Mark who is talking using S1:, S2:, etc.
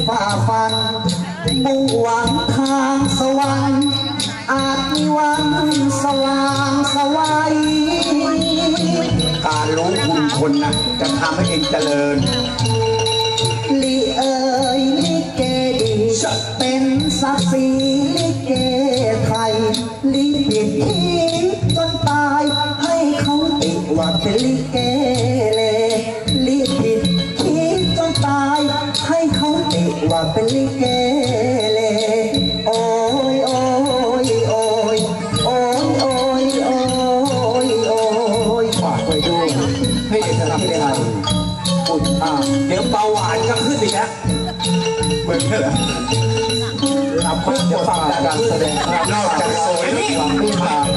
S1: ฝ่าฟันมุ่งหวังทางสวรรค์อาจมีวันสว่างสวัยการรู้คุณคนนะจะทำให้เองเจริญลิเอ๋ยลิเกดีเป็นศักดิ์ศรีลิเกไทยลิผิดที่จนตายให้เขาติว่าเป็นลิเกเลลิผิดที่จนตายให้เขาติว่าเป็นลิเกเลโอ้ยโอ้ยโอ้ยโอ้ยโอ้ยโอ้ยโอ้ยฝากไว้ด้วยให้เอกลักษณ์ไทยอุดเดี๋ยวเบาหวานก็ขึ้นอีกแล้วเหมือนกันเหรอรับเพื่อฟังการแสดงนอกจากสวยความผู้ชาย